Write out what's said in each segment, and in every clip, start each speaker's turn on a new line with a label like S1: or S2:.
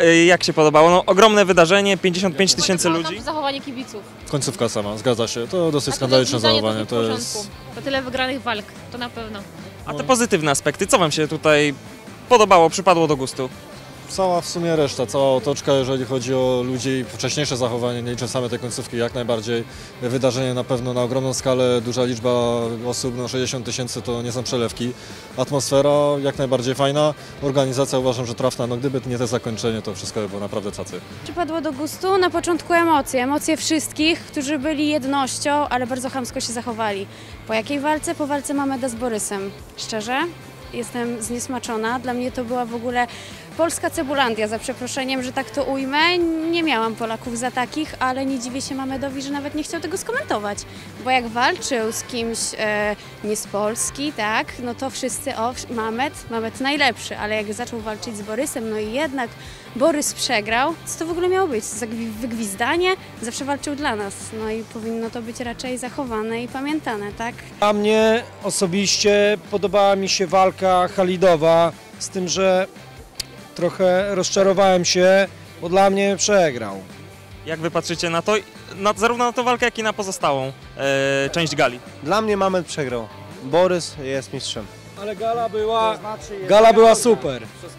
S1: Jak się podobało? No, ogromne wydarzenie, 55 000 ludzi.
S2: Zachowanie kibiców.
S3: Końcówka sama, zgadza się. To dosyć skandaliczne zachowanie.
S2: To jest... To tyle wygranych walk, to na pewno.
S1: A te pozytywne aspekty, co wam się tutaj podobało, przypadło do gustu?
S3: Cała w sumie reszta, cała otoczka, jeżeli chodzi o ludzi i wcześniejsze zachowanie, nie liczę same te końcówki, jak najbardziej. Wydarzenie na pewno na ogromną skalę, duża liczba osób, no 60 000 to nie są przelewki. Atmosfera jak najbardziej fajna, organizacja uważam, że trafna, no gdyby nie to zakończenie, to wszystko by było naprawdę cacy.
S4: Przypadło do gustu na początku emocje wszystkich, którzy byli jednością, ale bardzo chamsko się zachowali. Po jakiej walce? Po walce Mameda z Borysem. Szczerze? Jestem zniesmaczona. Dla mnie to była w ogóle polska cebulandia, za przeproszeniem, że tak to ujmę. Nie miałam Polaków za takich, ale nie dziwię się Mamedowi, że nawet nie chciał tego skomentować. Bo jak walczył z kimś nie z Polski, tak, no to wszyscy, Mamed najlepszy, ale jak zaczął walczyć z Borysem, no i jednak Borys przegrał, co to w ogóle miało być? Za wygwizdanie? Zawsze walczył dla nas, no i powinno to być raczej zachowane i pamiętane, tak?
S5: A mnie osobiście podobała mi się walka Halidowa, z tym, że trochę rozczarowałem się, bo dla mnie przegrał.
S1: Jak wy patrzycie na to, zarówno na tę walkę, jak i na pozostałą część gali?
S6: Dla mnie Mamed przegrał. Borys jest mistrzem.
S5: Ale gala była super.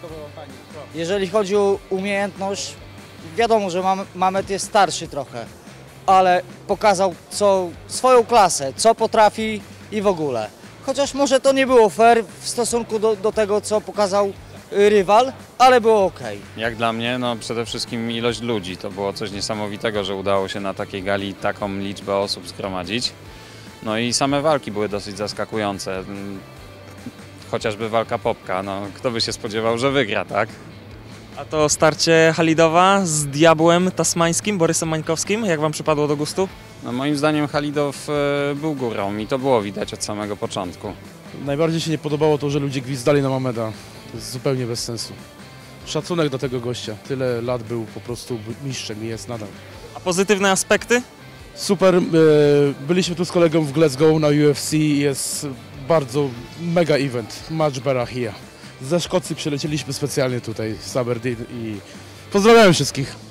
S7: Jeżeli chodzi o umiejętność, wiadomo, że Mamed jest starszy trochę, ale pokazał swoją klasę, co potrafi i w ogóle. Chociaż może to nie było fair w stosunku do tego, co pokazał rywal, ale było ok.
S8: Jak dla mnie, no przede wszystkim ilość ludzi. To było coś niesamowitego, że udało się na takiej gali taką liczbę osób zgromadzić. No i same walki były dosyć zaskakujące. Chociażby walka Popka, no kto by się spodziewał, że wygra, tak?
S1: A to starcie Halidowa z diabłem tasmańskim, Borysem Mańkowskim, jak wam przypadło do gustu?
S8: No moim zdaniem Halidow był górą i to było widać od samego początku.
S9: Najbardziej się nie podobało to, że ludzie gwizdali na Mameda. To jest zupełnie bez sensu. Szacunek do tego gościa. Tyle lat był po prostu mistrzem i jest nadal.
S1: A pozytywne aspekty?
S9: Super. Byliśmy tu z kolegą w Glasgow na UFC. Jest bardzo mega event. Match Barahia. Ze Szkocji przylecieliśmy specjalnie tutaj z Aberdeen i pozdrawiam wszystkich.